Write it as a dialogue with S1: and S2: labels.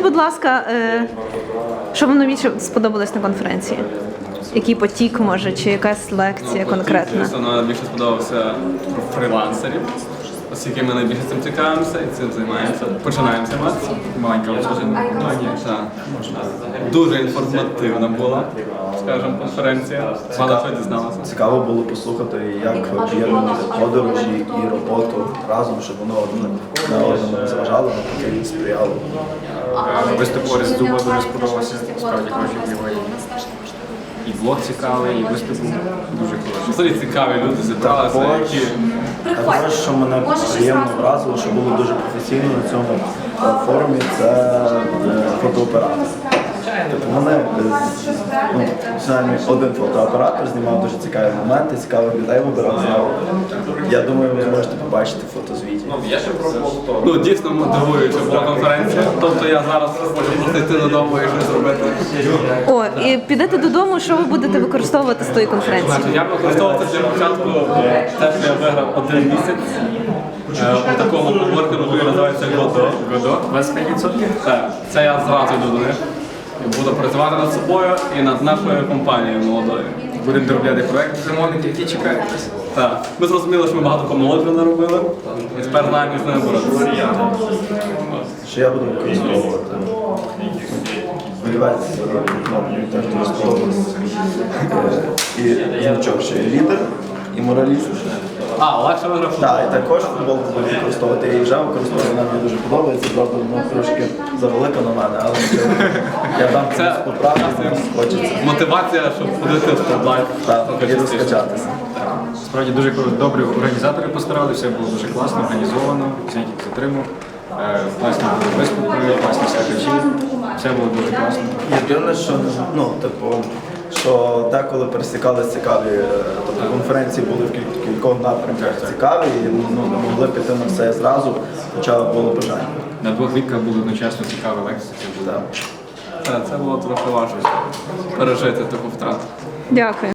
S1: будь ласка, що вам найбільше сподобалось на конференції? Який потік, може, чи якась лекція конкретна?
S2: Звісно, найбільше сподобався про фрилансерів, оскільки ми найбільше цим цікавимося і цим займаємося. Починаємо займатися. Маленька дуже інформативна була, скажімо, конференція. Багато чого дізналася.
S3: Цікаво було послухати, як об'єднувати подорожі і роботу разом, щоб воно одне на одному не заважало, навпаки сприяло.
S4: Виступ Орес Зуба дуже сподобався, справді хороший герой. І блог цікавий, і виступ був дуже хороший.
S2: Взагалі цікаві люди зібралися, які...
S3: Також, що мене приємно вразило, що було дуже професійно на цьому форумі, це фотооператор. Тобто вони, один фотооператор знімав дуже цікаві моменти, цікавих людей вибирав. Я думаю, ви зможете побачити фотозвіті.
S2: Ну, дійсно мотивуюча була конференція. Тобто я зараз хочу йти додому і щось зробити.
S1: О, і підете додому, що ви будете використовувати з тої конференції?
S2: Значить, я використовував для початку те, що я виграв 1 місяць у такому коворкінгу, який називається Godot.
S4: Годо, 25%?
S2: Так, це я зразу йду до них. І буду працювати над собою і над нашою компанією молодою.
S4: Будемо доробляти проєкт замовники, які чекають нас.
S2: Так. Ми зрозуміли, що ми багато помилок вже наробили. І тепер знаємо, як з ними боротися.
S3: Що я буду використовувати? Олівець, мені теж дуже сподобався. І значок, що є лідер і мораліст.
S2: А, легше виграв.
S3: Так, і також футболку буду використовувати. Я її вже використовую, вона мені дуже подобається. Правда, вона трошки завелика на мене, але я дам комусь поправки, комусь хочеться.
S2: Мотивація, щоб ходити в топ-лайф.
S3: Так, і розкачатися.
S4: Справді дуже добрі організатори постаралися, все було дуже класно, організовано, всіх затримав. Класні були виступи, класні слухачі, все було дуже класно.
S3: Єдине, що, що деколи пересікались цікаві, тобто конференції були в кількох напрямках цікаві, і не могли піти на все зразу, хоча було бажання.
S4: На 2 відках були одночасно цікаві лекції.
S3: Так.
S2: Це було трохи важко пережити таку втрату.
S1: Дякую.